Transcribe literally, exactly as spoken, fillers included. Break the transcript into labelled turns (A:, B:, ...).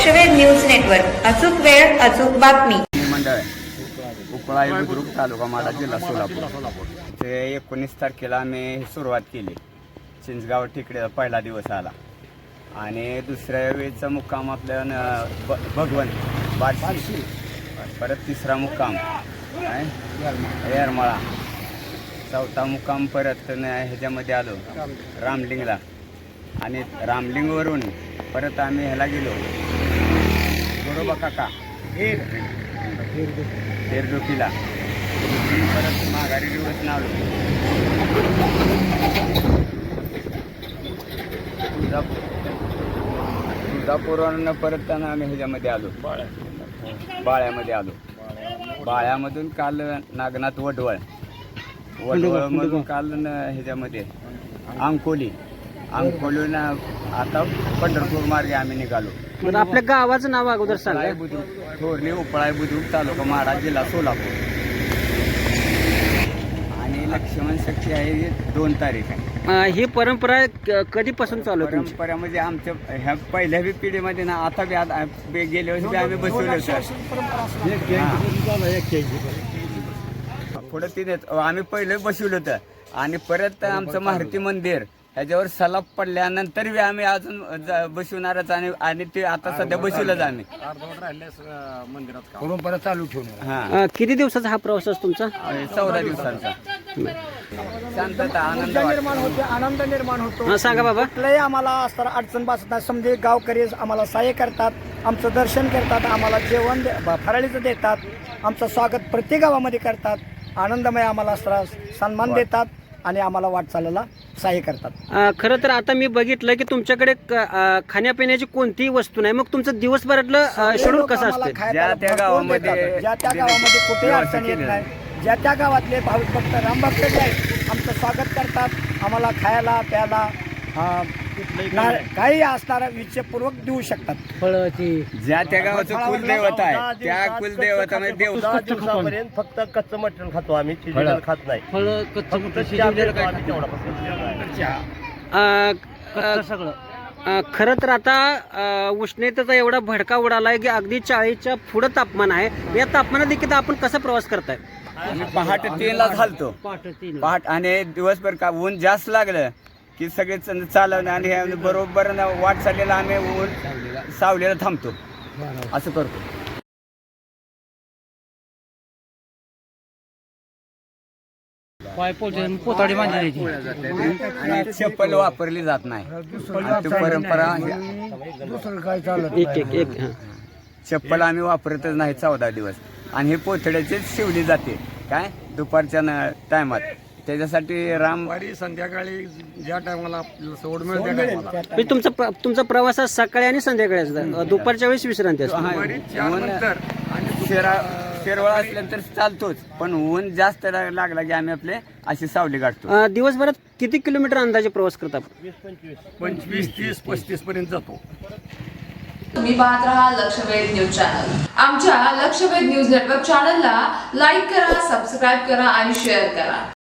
A: लक्षवेध news network, अचूक वेळ अचूक बातमी.
B: मंडळ उपळा बुद्रुक तालुका माडा जिल्हा सोलापूर. ते एकोणीस तारखेला आम्ही सुरुवात केली. चिंचगाव टेकडीचा पहिला दिवस आला आणि दुसऱ्या वेळेचा मुक्काम आपल्या ब भगवंत बारशी, परत तिसरा मुक्काम काय येरमाळा, चौथा मुक्काम परत ह्याच्यामध्ये आलो रामलिंगला आणि रामलिंगवरून परत आम्ही ह्याला गेलो गोरोबा काका हेर हेरडोकीला, परत माघारी दिवस आलो तुळजापूर तुळजापूरवरून परत त्यांना आम्ही ह्याच्यामध्ये आलो बाळ्यामध्ये आलो. बाळ्यामधून काल नागनाथ वडवळ वडवळमधून काल ह्याच्यामध्ये अंकोली अंकोलीनं आता पंढरपूर मार्गे आम्ही निघालो.
C: बरं, आपल्या गावाचं नाव अगोदर सांगा.
B: बुद्रुक थोरली उपळा बुद्रुक तालुका माडा जिल्हा सोलापूर. आणि लक्ष्मण शक्ती आहे दोन तारीख आहे.
C: अं, ही परंपरा क- कधीपासून चालू आहे तुमची?
B: परंपरा म्हणजे आमच्या ह्या पहिल्या बी पिढीमध्ये ना आता बी आता बी गेल्या वर्षी बी आम्ही बसवलं होतं पुढं तिने आम्ही पहिले बसवलं होतं आणि परत आमचं मारुती मंदिर ह्याच्यावर सलाब पडल्यानंतर बी आम्ही अजून ज- बसवणारच आणि आणि ते आता सध्या बसवलंच आम्ही
D: परंपरा चालू ठेवणार.
B: हा
C: अं, किती दिवसाचा हा प्रवास असतो तुमचा?
B: चौदा दिवसांचा शांतता आनंद
E: निर्माण होते, आनंद निर्माण होतो.
C: हा, सांगा बाबा.
E: कुठलंही आम्हाला असताना अडचण भासत नाही. समजे गावकरी आम्हाला सहाय्य करतात, आमचं दर्शन करतात, आम्हाला जेवण दे- ब- फराळीचं देतात, आमचं स्वागत प्रत्येक गावामध्ये करतात, आनंदमय आम्हाला असताना सन्मान देतात आणि आम्हाला वाटचालीला सहाय्य करतात.
C: अं, खरं तर आता मी बघितलं की तुमच्याकडे क- अं, खाण्यापिण्याची कोणतीही वस्तू नाही. मग तुमचं दिवसभरातलं शेड्यूल
E: लोक
C: कसं
E: आम्हाला
C: असतं?
E: खायला
B: ज्या त्या
E: भरपूर
B: गावामध्ये
E: देतात. ज्या त्या गावामध्ये कुठेही
B: व्यवस्था
E: अडचण येत
B: केलेली
E: नाही. ज्या त्या गावातले भाविक भक्त रामभक्त जे आहेत आमचं स्वागत करतात, आम्हाला खायला प्यायला अं, ना- काही असणारा विचारपूर्वक देऊ शकतात.
B: ज्या त्या गावाचं कुलदैवत आहे त्या कुलदैवतामध्ये देव
F: दहा दिवसापर्यंत फक्त कच्चं मटण खातो आम्ही, शिजलेलं खात नाही. फक्त चहा पितो आम्ही तेवढापासून.
C: अं, अं, अं, खरं तर आता अं, उष्णतेचा एवढा भडका उडालाय की अगदी चाळीसच्या पुढं तापमान आहे. या तापमानात देखील आपण कसा प्रवास करताय?
B: आम्ही पहाटे तीनला घालतो पहाट आणि दिवसभर का ऊन जास्त लागलं की सगळे च- चालवणं आणि हे बरोबर न वाट चाललेला आम्ही ऊन सावलीला थांबतो असं करतो. आणि चप्पल वापरली जात नाही. आणि ती परंपरा
E: दुसरं काय चालत
C: एक एक एक हां.
B: चप्पल आम्ही वापरतच नाही चौदा दिवस आणि हे पोथड्याचीच शिवली जाते काय दुपारच्या टायमात. त्याच्यासाठी राम
D: वारी संध्याकाळी ज्या टायमाला आपल्याला सोड मिळेल त्या टायमाला
C: म्हणजे तुमचा प्र- तुमचा प्रवास हा सकाळी आणि संध्याकाळी असतो. दुपारच्या वेळेस विश्रांती असते.
D: वारी चारनंतर आणि
B: शेरा शेरवळ असल्यानंतर चालतोच पण ऊन जास्त ला- लागला की आम्ही आपले अशी सावली काढतो.
C: अं, दिवसभरात किती किलोमीटर अंदाजे प्रवास करतात?
D: पंचवीस तीस पस्तीस पर्यंत जातो.
G: तुम्ही पाहत राहा लक्षवेध न्यूज चॅनल. आमच्या लक्षवेध न्यूज नेटवर्क चॅनलला लाईक करा, सबस्क्राईब करा आणि शेअर करा.